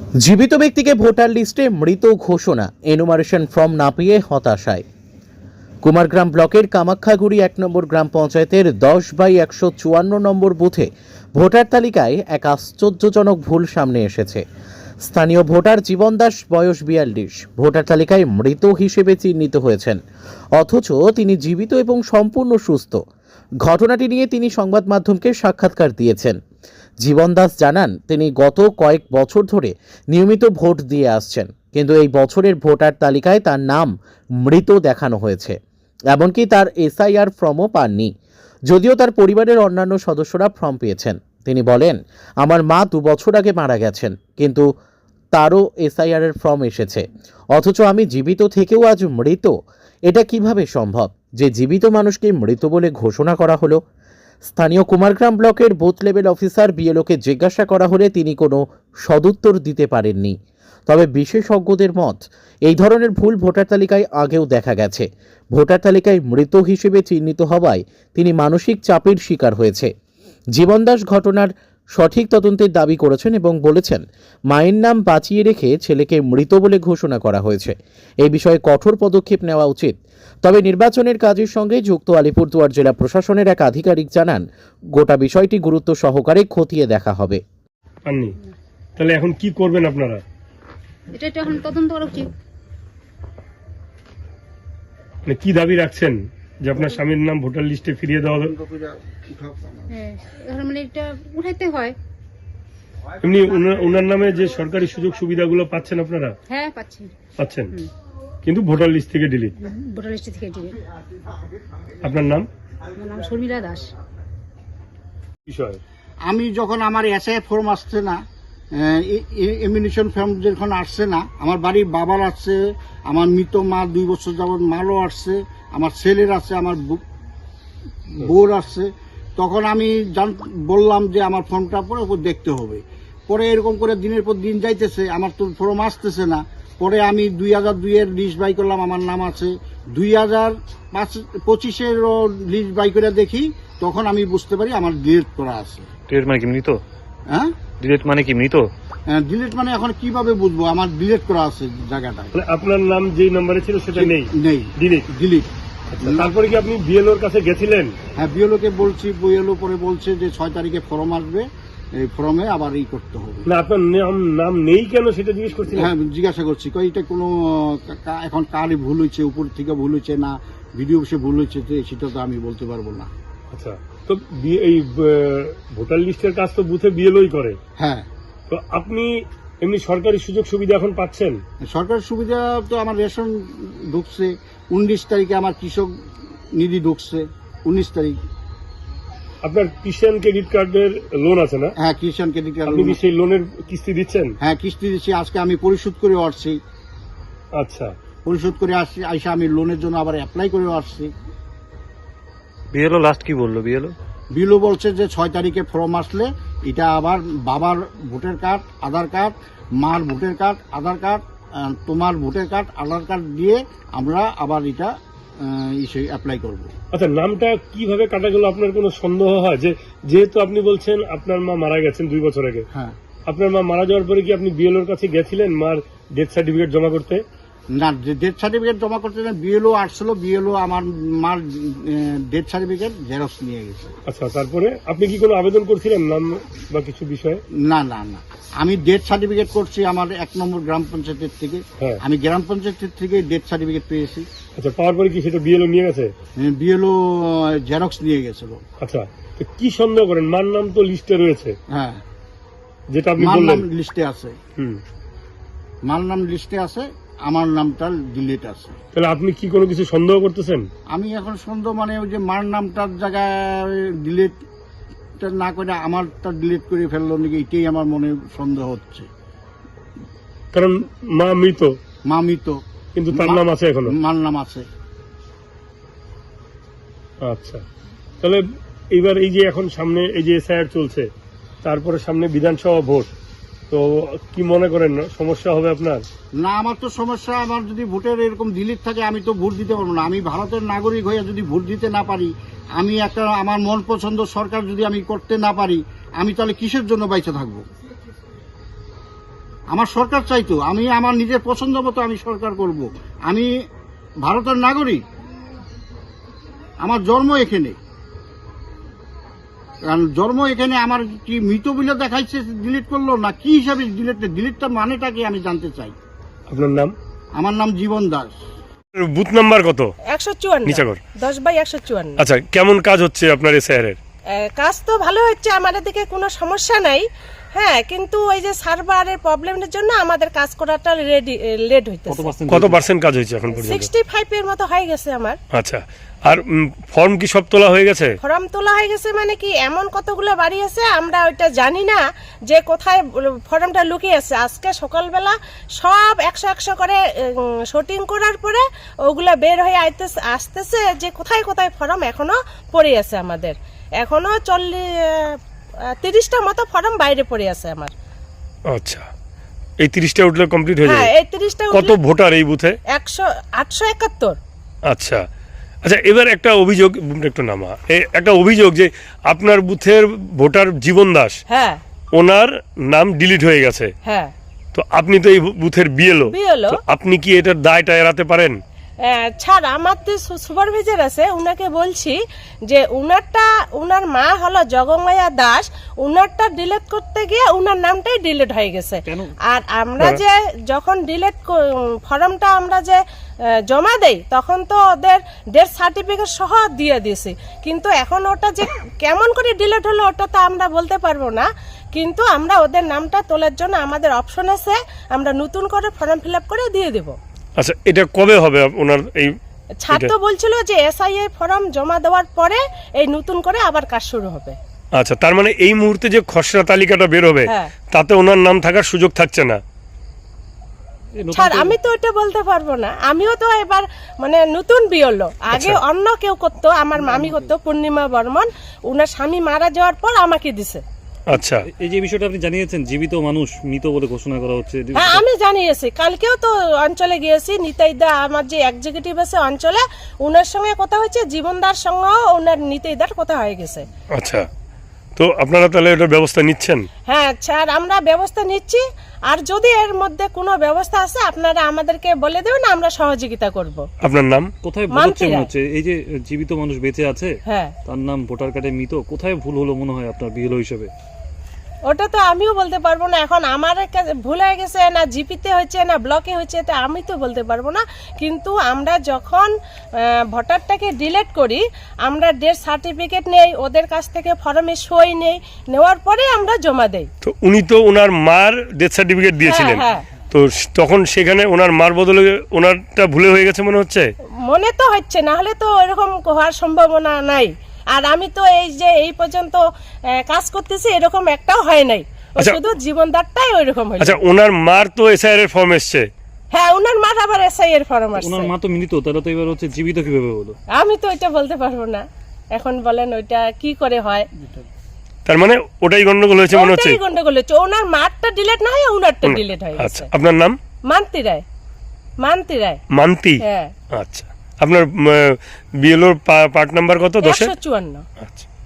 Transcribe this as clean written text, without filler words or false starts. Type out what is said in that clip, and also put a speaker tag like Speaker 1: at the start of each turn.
Speaker 1: জীবিত ব্যক্তিকে ভোটার লিস্টে মৃত ঘোষণা, এনুমারেশন ফর্ম না পেয়ে হতাশায়। কুমারগ্রাম ব্লকের কামাখ্যাগুড়ি 1 নম্বর গ্রাম পঞ্চায়েতের 10/154 নম্বর বুথে ভোটার তালিকায় এক আশ্চর্যজনক ভুল সামনে এসেছে। স্থানীয় ভোটার জীবন দাস, বয়স 42, ভোটার তালিকায় মৃত হিসেবে চিহ্নিত হয়েছেন, অথচ তিনি জীবিত এবং সম্পূর্ণ সুস্থ। ঘটনাটি নিয়ে তিনি সংবাদ মাধ্যমকে সাক্ষাৎকার দিয়েছেন। জীবন দাস জানান, তিনি গত কয়েক বছর ধরে নিয়মিত ভোট দিয়ে আসছেন, কিন্তু এই বছরের ভোটার তালিকায় তার নাম মৃত দেখানো হয়েছে। এমনকি তার এসআইআর ফর্মও পাননি, যদিও তার পরিবারের অন্যান্য সদস্যরা ফর্ম পেয়েছেন। তিনি বলেন, আমার মা 2 বছর আগে মারা গেছেন, কিন্তু তারও এসআইআর এর ফর্ম এসেছে, অথচ আমি জীবিত থেকেও আজ মৃত। এটা কিভাবে সম্ভব যে জীবিত মানুষকে মৃত বলে ঘোষণা করা হলো? স্থানীয় কুমারগ্রাম ব্লকের বুথ লেভেল অফিসার বিএলওকে জিজ্ঞাসা করা হলে তিনি কোনো সদুত্তর দিতে পারেননি। তবে বিশেষজ্ঞদের মত, এই ধরনের ভুল ভোটার তালিকায় আগেও দেখা গেছে। ভোটার তালিকায় মৃত হিসেবে চিহ্নিত হওয়ায় তিনি মানসিক চাপের শিকার হয়েছে। জীবন দাস ঘটনার সঠিক তদন্তের দাবি করেছেন এবং বলেছেন, মায়ের নাম বাঁচিয়ে রেখে ছেলেকে মৃত বলে ঘোষণা করা হয়েছে। এই বিষয়ে কঠোর পদক্ষেপ নেওয়া উচিত। তবে নির্বাচনের কাজের সঙ্গে যুক্ত আলিপুরদুয়ার জেলা প্রশাসনের এক আধিকারিক জানান, গোটা বিষয়টি গুরুত্ব সহকারে খতিয়ে দেখা হবে।
Speaker 2: তাহলে এখন কি করবেন আপনারা?
Speaker 3: এটা এখন তদন্ত করা উচিত।
Speaker 2: মানে কি দাবি রাখছেন যে আপনার স্বামীর নাম ভোটার লিস্টে ফিরিয়ে দেওয়া হবে?
Speaker 3: হ্যাঁ, এখন মানে এটা উঠাইতে হয়।
Speaker 2: এমনি ওনার নামে যে সরকারি সুযোগ সুবিধাগুলো পাচ্ছেন আপনারা?
Speaker 3: হ্যাঁ,
Speaker 2: পাচ্ছেন, কিন্তু ভোটার লিস্ট থেকে ডিলিট।
Speaker 3: ভোটার লিস্ট থেকে ডিলিট।
Speaker 2: আপনার নাম?
Speaker 3: আমার নাম শর্মিলা দাস।
Speaker 2: বিষয়,
Speaker 4: আমি যখন আমার এসআই ফর্ম আসছে না, এমিনেশন ফর্ম যখন আসছে না, আমার বাড়ির বাবার আসছে, আমার মৃত মা 2 বছর যাবৎ মালও আসছে, আমার ছেলের আছে, আমার বউর আসছে, তখন আমি বললাম যে আমার ফর্মটা পরে দেখতে হবে। পরে এরকম করে দিনের পর দিন যাইতেছে, আমার তো ফর্ম আসতেছে না। পরে আমি 2002 এর লিস্ট বাই করলাম, আমার নাম আছে। 2025 লিস্ট বাই করে দেখি, তখন আমি বুঝতে পারি আমার ডিলিট করা আছে।
Speaker 5: ডিলিট মানে কি মৃত?
Speaker 4: হ্যাঁ,
Speaker 5: ডিলিট মানে কি মৃত?
Speaker 4: ডিলিট মানে এখন কিভাবে বুঝবো আমার ডিলিট করা আছে জায়গাটা?
Speaker 2: আপনার নাম যে নম্বরে ছিল সেটা নেই?
Speaker 4: নেই, ডিলিট।
Speaker 2: তারপরে কি আপনি বিএলওর কাছে গেছিলেন?
Speaker 4: হ্যাঁ, বিএলও কে বলছি, বিএলও পরে বলছে যে 6 তারিখে ফর্ম আসবে, এই ফর্মে আবার করতে হবে।
Speaker 2: না, আপনার নাম নেই কেন সেটা জিজ্ঞেস করছি।
Speaker 4: হ্যাঁ, জিজ্ঞাসা করছি, এটা কোনো এখন কারই ভুল হয়েছে, উপর থেকে ভুল হয়েছে না ভিডিও অফিসে ভুল হয়েছে, সেটা তো আমি বলতে পারবো না।
Speaker 2: আচ্ছা, তো এই ভোটার লিস্টের কাজ তো বুথে বিএলওই করে।
Speaker 4: হ্যাঁ,
Speaker 2: তো আপনি এমনি সরকারি সুযোগ সুবিধা এখন পাচ্ছেন?
Speaker 4: সরকারি সুবিধা তো আমার রেশন ঢুকছে, 19 তারিখে আমার কৃষক নিধি ঢুকছে, 19 তারিখ।
Speaker 2: আপনার কিষাণ ক্রেডিট কার্ডের লোন আছে না?
Speaker 4: হ্যাঁ, কিষাণ ক্রেডিট কার্ড।
Speaker 2: আপনি কি সেই লোনের কিস্তি দিচ্ছেন?
Speaker 4: হ্যাঁ, কিস্তি দিচ্ছি। আজকে আমি পরিশোধ করে আসছি।
Speaker 2: আচ্ছা,
Speaker 4: পরিশোধ করে আসছি, আইসা আমি লোনের জন্য আবার অ্যাপ্লাই করে আসছি।
Speaker 5: বিএলও লাস্ট কি বললো?
Speaker 4: বিএলও বলছে যে 6 তারিখে ফর্ম আসলে এটা আবার বাবার ভোটার কার্ড, আধার কার্ড, মার ভোটার কার্ড, আধার কার্ড, তোমার ভোটার কার্ড, আধার কার্ড দিয়ে আমরা আবার এটা অ্যাপ্লাই করব।
Speaker 2: আচ্ছা, নামটা কিভাবে কাটা গেল? আপনার কোনো সন্দেহ হয় যে, যেহেতু আপনি বলছেন আপনার মা মারা গেছেন 2 বছর আগে,
Speaker 4: হ্যাঁ,
Speaker 2: আপনার মা মারা যাওয়ার পরে কি আপনি বিএলওর কাছে গেছিলেন মার ডেথ সার্টিফিকেট জমা করতে?
Speaker 4: না, ডেথ সার্টিফিকেট জমা করতে বিএলও আসছিল, বিএলও আমার মার ডেথ সার্টিফিকেট জেরক্স নিয়ে গেছে।
Speaker 2: আচ্ছা, তারপরে আপনি কি কোনো আবেদন করছিলেন নাম বা কিছু বিষয়ে?
Speaker 4: না, আমি ডেথ সার্টিফিকেট করছি আমার 1 নম্বর গ্রাম পঞ্চায়েতের থেকে। আমি গ্রাম পঞ্চায়েতের থেকে ডেথ সার্টিফিকেট পেয়েছি।
Speaker 2: আচ্ছা, পাওয়ার পরে কি সেটা বিএলও নিয়ে গেছে?
Speaker 4: বিএলও জেরক্স নিয়ে গেছিল।
Speaker 2: আচ্ছা, তো কি সন্দেহ করেন? মার নাম তো লিস্টে রয়েছে।
Speaker 4: হ্যাঁ,
Speaker 2: যেটা আপনি
Speaker 4: বললেন,
Speaker 2: বললেন
Speaker 4: লিস্টে আছে। মার নাম লিস্টে আছে, আমার নামটা ডিলিট আছে।
Speaker 2: তাহলে আপনি কি কোনো কিছু সন্দেহ করতেছেন?
Speaker 4: আমি এখন সন্দেহ মানে ওই যে মার নামটার জায়গায় ডিলিট না করে আমারটা ডিলিট করে ফেললো নাকি, এটাই আমার মনে সন্দেহ হচ্ছে।
Speaker 2: কারণ মা মৃত, কিন্তু তার নাম আছে, এখনো
Speaker 4: মার নাম আছে।
Speaker 2: আচ্ছা, তাহলে এইবার এই যে এখন সামনে এই যে এসআইআর চলছে, তারপরে সামনে বিধানসভা ভোট, তো কি মনে করেন না সমস্যা হবে আপনার?
Speaker 4: না, আমার তো সমস্যা, আমার যদি ভোটের এরকম ডিলিট থাকে আমি তো ভোট দিতে পারবো না। আমি ভারতের নাগরিক হয়ে যদি ভোট দিতে না পারি, আমি একটা আমার মন পছন্দ সরকার যদি আমি করতে না পারি, আমি তাহলে কিসের জন্য বাইচে থাকবো? আমার সরকার চাইতো, আমি আমার নিজের পছন্দ মতো আমি সরকার করব। আমি ভারতের নাগরিক, আমার জন্ম এখানে, কারণ জন্ম এখানে। আমার কি মৃত বলে দেখাইছে ডিলিট করলো, না কি হিসাবে ডিলিটটা মানেটা কি আমি জানতে চাই।
Speaker 2: আপনার নাম?
Speaker 4: আমার নাম জীবন দাস।
Speaker 2: বুথ নাম্বার কত?
Speaker 6: 154
Speaker 2: নিচাগর।
Speaker 6: 10/154।
Speaker 2: আচ্ছা, কেমন কাজ হচ্ছে আপনার এসআইআর?
Speaker 6: কাজ তো ভালো হচ্ছে, আমাদের দিকে কোনো সমস্যা নাই। হ্যাঁ, কিন্তু ওই যে সার্ভারের প্রবলেমের জন্য আমাদের কাজ করাটা লেট হইতেছে।
Speaker 2: কত পার্সেন্ট কাজ হয়েছে এখন পর্যন্ত?
Speaker 6: 65 এর মতো হয়ে গেছে আমার।
Speaker 2: আচ্ছা, আর ফর্ম কি সব তোলা হয়ে গেছে?
Speaker 6: ফর্ম তোলা হয়ে গেছে মানে কি, এমন কতগুলো বাড়ি আছে আমরা ওইটা জানি না যে কোথায় ফর্মটা লুকিয়ে আছে। আজকে সকালবেলা সব 100 করে শুটিং করার পরে ওগুলা বের হয়ে আসতেছে যে কোথায় কোথায় ফর্ম এখনো পড়ে আছে আমাদের। এখনো 30টা মতো ফর্ম বাইরে পড়ে আছে আমার।
Speaker 2: আচ্ছা, এই 30টা উঠলে কমপ্লিট হয়ে
Speaker 6: হ্যাঁ,
Speaker 2: যাবে?
Speaker 6: এই 30টা
Speaker 2: কত ভোটার এই বুথে?
Speaker 6: 871।
Speaker 2: আচ্ছা আচ্ছা, এবার একটা অভিযোগ, একটু নামা, একটা অভিযোগ যে আপনার বুথের ভোটার জীবন দাস,
Speaker 6: হ্যাঁ,
Speaker 2: ওনার নাম ডিলিট হয়ে গেছে।
Speaker 6: হ্যাঁ,
Speaker 2: তো আপনি তো এই বুথের বিএলও, আপনি কি এটার দায়টা এড়াতে পারেন?
Speaker 6: ছাড়, আমার যে সুপারভাইজার আছে উনাকে বলছি যে উনার মা হলো জগমায়া দাস, উনারটা ডিলিট করতে গিয়ে উনার নামটাই ডিলিট হয়ে গেছে। আর আমরা যে যখন ফর্মটা আমরা যে জমা দেই তখন তো ওদের ডেথ সার্টিফিকেট সহ দিয়ে দিয়েছি, কিন্তু এখন ওটা যে কেমন করে ডিলিট হলো ওটা তো আমরা বলতে পারবো না। কিন্তু আমরা ওদের নামটা তোলার জন্য আমাদের অপশন আছে, আমরা নতুন করে ফর্ম ফিল আপ করে দিয়ে দেবো।
Speaker 2: আচ্ছা, এটা কবে হবে ওনার এই?
Speaker 6: ছাত্র বলছিল যে এসআইআই ফর্ম জমা দেওয়ার পরে এই নতুন করে আবার কাজ শুরু হবে।
Speaker 2: আচ্ছা, তার মানে এই মুহূর্তে যে খসড়া তালিকাটা বের হবে তাতে ওনার নাম থাকার সুযোগ থাকছে না?
Speaker 6: ছাড়, আমি তো এটা বলতে পারবো না, আমিও তো এবার মানে নতুন বিয়লো। আগে অন্য কেউ করতো, আমার মামি করতো, পূর্ণিমা বর্মন, উনার স্বামী মারা যাওয়ার পর আমাকে দিছে।
Speaker 2: আচ্ছা,
Speaker 5: এই যে বিষয়টা আপনি জানিয়েছেন, জীবিত মানুষ মৃত বলে ঘোষণা করা হচ্ছে।
Speaker 6: হ্যাঁ, আমি জানিয়েছি, কালকেও তো অঞ্চলে গিয়েছি, নিতাইদা আমার যে এক্সিকিউটিভ আছে অঞ্চলে, উনার সঙ্গে কথা হয়েছে, জীবনদার সঙ্গেও উনার নিতাইদার কথা হয়ে গেছে।
Speaker 2: আচ্ছা, তো আপনারা তাহলে এটার ব্যবস্থা নিচ্ছেন?
Speaker 6: হ্যাঁ স্যার, আমরা ব্যবস্থা নিচ্ছি, আর যদি এর মধ্যে কোনো ব্যবস্থা আছে আপনারা আমাদেরকে বলে দেবেন, আমরা সহযোগিতা করব।
Speaker 2: আপনার নাম?
Speaker 5: কোথায় ভুল হচ্ছে মনে হচ্ছে? এই যে জীবিত মানুষ বেঁচে আছে,
Speaker 6: হ্যাঁ,
Speaker 5: তার নাম ভোটার কার্ডে মৃত, কোথায় ভুল হলো মনে হয় আপনার বিএলও হিসেবে?
Speaker 6: ওটা তো আমিও বলতে পারবো না। এখন আমার কাছে ভুল হয়ে গেছে, না জিপিতে হয়েছে না ব্লকে হয়েছে, এটা আমি তো বলতে পারবো না। কিন্তু আমরা যখন ভোটারটাকে ডিলিট করি, আমরা ডেথ সার্টিফিকেট নেই ওদের কাছ থেকে, ফর্মে সই নেই, নেওয়ার পরে আমরা জমা দেই।
Speaker 2: তো উনি তো ওনার মার ডেথ সার্টিফিকেট দিয়েছিলেন, তো তখন সেখানে ওনার মার বদলে ওনারটা ভুলে হয়ে গেছে মনে হচ্ছে?
Speaker 6: মনে তো হচ্ছে, না হলে তো এরকম হওয়ার সম্ভাবনা নাই। আর আমি তো এই পর্যন্ত কাজ করতেছি, এরকম একটাও হয় নাই, শুধু জীবনদারটাই ওইরকম হয়েছে।
Speaker 2: আচ্ছা, ওনার মার তো এসআইআর এর ফর্ম এসেছে?
Speaker 6: হ্যাঁ, ওনার মার আবার এসআই এর ফর্ম আসছে।
Speaker 5: ওনার মা তো মৃত, তাহলে তো এবার হচ্ছে জীবিত কিভাবে হলো?
Speaker 6: আমি তো এটা বলতে পারবো না, এখন বলেন ওইটা কি করে হয়।
Speaker 2: তার মানে ওটাই গন্ডগোল হয়েছে মনে হচ্ছে?
Speaker 6: ওটাই গন্ডগোল হচ্ছে, ওনার মারটা ডিলিট না হয় ওনারটা ডিলিট হয়ে গেছে।
Speaker 2: আচ্ছা, আপনার নাম?
Speaker 6: মান্তি রায়। মান্তি রায়।
Speaker 2: মান্তি?
Speaker 6: হ্যাঁ।
Speaker 2: আচ্ছা, আপনার বিএলওর পার্ট নাম্বার কত? 10?
Speaker 6: 154।
Speaker 2: আচ্ছা।